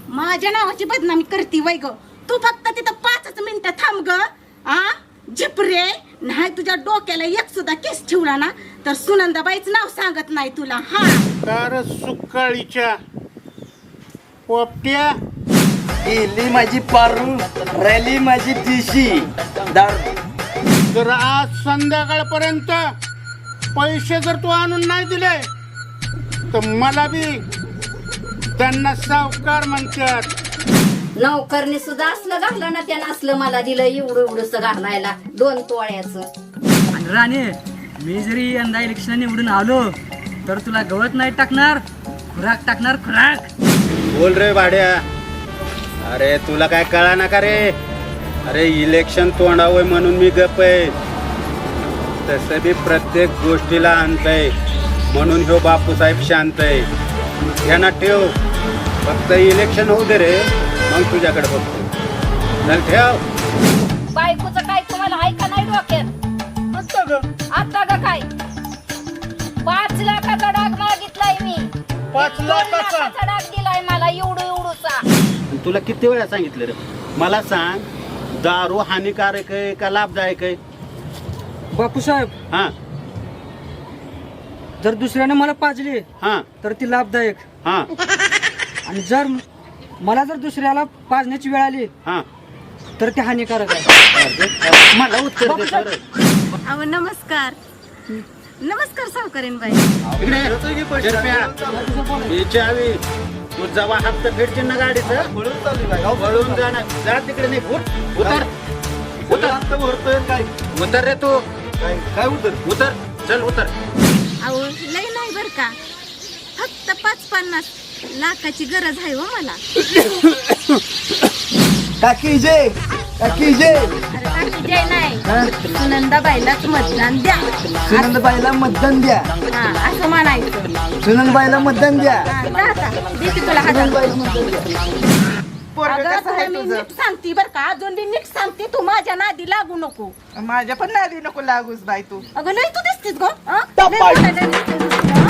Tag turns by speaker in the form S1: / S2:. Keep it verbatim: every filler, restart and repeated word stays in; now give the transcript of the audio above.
S1: माझ्या नावाची बदनामी करती वय ग. तू फक्त तिथं पाचच मिनिटं थांब ग. आ झिपरे नाही तुझ्या डोक्याला एक सुद्धा केस ठेवला ना तर सुनंदाबाईच नाव सांगत नाही तुला. हा
S2: कार सुकाळीच्या पोपट्या
S3: गेली माझी पारू, रॅली माझी दिशी दारू.
S2: जर आज संध्याकाळपर्यंत पैसे जर तू आणून नाही दिले तर मला बी त्यांना सावकार म्हणतात.
S4: नौकरने सुद्धा असलं घातलं ना त्यानं असलं मला दिलं एवढं एवढंस घालायला दोन तोळ्याचं.
S5: आणि राणे मी जरी यंदा इलेक्शन निवडून आलो तर तुला गवत नाही टाकणार, खुराक टाकणार खुराक.
S2: बोल रे भाड्या. अरे तुला काय कळा ना का रे. अरे इलेक्शन तोंडावं म्हणून मी गप आहे. तसं बी प्रत्येक गोष्टीला अंत आहे म्हणून ह्यो बापूसाहेब शांत आहे. ध्यानात ठेव. फक्त इलेक्शन होऊ दे रे मग तुझ्याकडे बघतो. चल ठेव.
S4: बायकोचं काय तुम्हाला आहे का नाही डोक्यात? आता ग काय पाच लाखाचा डाग मागितलाय मी.
S2: पाच
S4: दोन
S2: लाखाचा?
S4: लाखाचा डाग दिलाय मला एवढं एवढूसा.
S2: तुला किती वेळा सांगितलं रे. मला सांग दारू हानिकारक आहे का लाभदायक आहे.
S5: बापूसाहेब
S2: हा
S5: जर दुसऱ्याने मला पाजली
S2: हा
S5: तर ती लाभदायक,
S2: हा
S5: आणि जर मला जर दुसऱ्याला पाजण्याची वेळ आली
S2: हा
S5: तर ते हानिकारक आहे.
S2: मला उत्तर दे सर.
S1: अहो नमस्कार नमस्कार सावकारीन बाई.
S2: इकडे ही चावी तू जेव्हा हप्ता फेडशील ना गाडीचं वळून जाणार. जा तिकडे नाही. उठ उतर उतर काय उतर रे तू. काय उतर उतर चल उतर.
S1: अहो लय नाही बर का. फक्त पाच पन्नास लाखाची गरज आहे हो मला.
S3: काकी जय, काकी जय.
S1: अरे बाकी जय नाही सुनंदाबाईलाच मतदान द्या.
S3: सुनंदबाईला मतदान द्या,
S1: हा असं म्हणायचं.
S3: सुनंदबाईला मतदान द्या.
S1: हा, जा आता. देते तुला हजार.
S3: सुनंदबाईला मतदान द्या.
S1: अगं तुला मी नीट सांगते बर का. अजून मी नीट सांगते. तू माझ्या नादी लागू नको.
S6: माझ्या पण नादी नको लागूस बाई तू.
S1: अगं लय तू दिसतीस ग. हं? लय मोठं लय दिसतीस.